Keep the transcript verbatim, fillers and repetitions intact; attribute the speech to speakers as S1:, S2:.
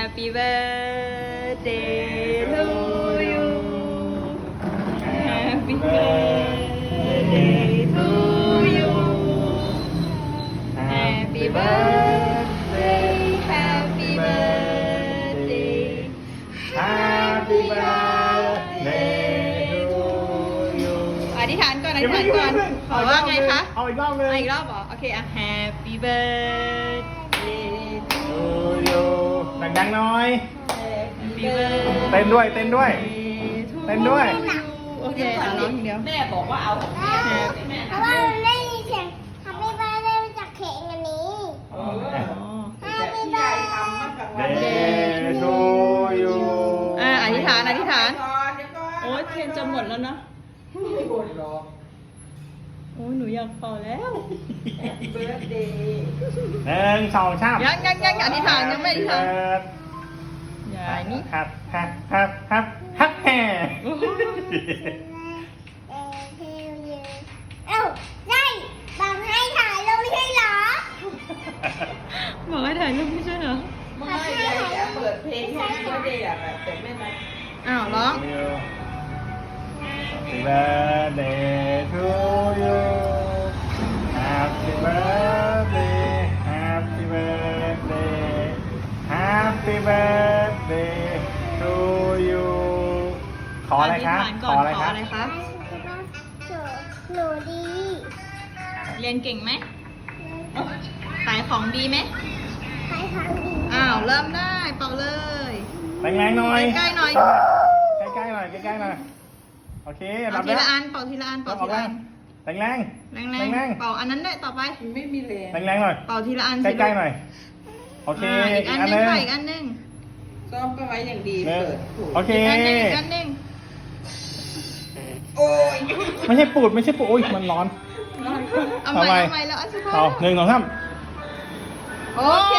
S1: Happy birthday to you Happy birthday to you Happy birthday Happy birthday
S2: Happy birthday to you
S1: อธิษฐานก่อนอธิษฐานก่อนขอว่าไงคะ
S2: เอาอีกรอบเลย
S1: เอาอีกรอบเหรอโอเคอ่ะ Happy birthday to
S2: you ดังๆหน่อย
S1: Happy birthday
S2: เต้นด้วยเต้นด้วย เต้นด้วย
S1: โอเคอ่ะร้องอย่างเดียว
S3: แม่บอกว่าเอา
S4: เพราะว่ามันไม่มีเสียงทำให้บ้านได้มาจากเค้กอันนี้
S1: อ๋อ
S4: ถ้าไม่ได้
S2: Day to you
S1: อ่ะอธิษฐานอธิษฐาน
S3: ก่อนเดี๋ยวก่อน
S1: โอ้ยเทียนจะหมดแล้วนะ
S3: ไม่หมดหรอก
S1: โอ้ยหนูอยากเป่าแล้ว
S3: เบิร์ดเดย์
S2: หนึ่งสองสาม
S1: ยังยังยังอธิษฐานยังไม่อธิษฐานอย่านี่
S2: ฮับฮับฮับฮับฮับแห่
S4: เออเทลเยเอ้าได้บอกให้ถ่ายลงไม่ใช่เหรอ
S1: บอกให้ถ่ายรูปไม่ใช่เหรอ
S3: ไม่ยายจะเปิดเพลงให้เบิร์ดเดย์อะแบบแต่ไม่มา
S1: อ้าวร้อง
S2: Happy birthday to you Happy birthday Happy birthday Happy birthday to you ขออะไรคะ
S1: อธิษฐาน
S2: ข
S1: ก่
S2: อ
S1: อน
S2: อะไร
S1: ขอ
S2: คะ
S1: อะไรคะ
S4: หนูดี
S1: เรียนเก่งไหมขายของดีไหม
S4: ใครทำดี
S1: อ้าวเริ่มได้เป่าเลย
S2: แรงๆหน่อย
S1: ใกล้ๆหน่อย
S2: ใกล้ๆหน่อยใกล้ๆหน่อยโอเค
S1: เอา
S2: รับ
S1: ที
S2: แล้ว
S1: ละอันเป่าทีละอันเป่าทีละอัน
S2: แรงแรง
S1: แรง
S2: แร
S1: แรง ง
S2: แรง
S1: เป่าอันนั้นได้วยต่อไป
S3: ไม่มีแรง
S2: แรงแรงๆหน่อย
S1: เป่าทีละอัน
S2: ใกล้ๆหน่อย โอเค
S1: อ่าอีกอันหนึงค่ะอีกอันหนึง
S3: ซ้อมไปไว้อย่างดี
S2: หนึ่ง
S3: เปิดถูก
S2: โอเค
S1: อีกอันหนึงอีกอันหนึง
S3: โอ้ย
S2: ไม่ใช่ปูดไม่ใช่ปูดอุ้ยมันร้อน
S1: เอาใหม่
S2: ทำไม
S1: เอาใหม่แล้วอันสุดท้าย
S2: เอาหนึ่งสองสาม
S1: โอ้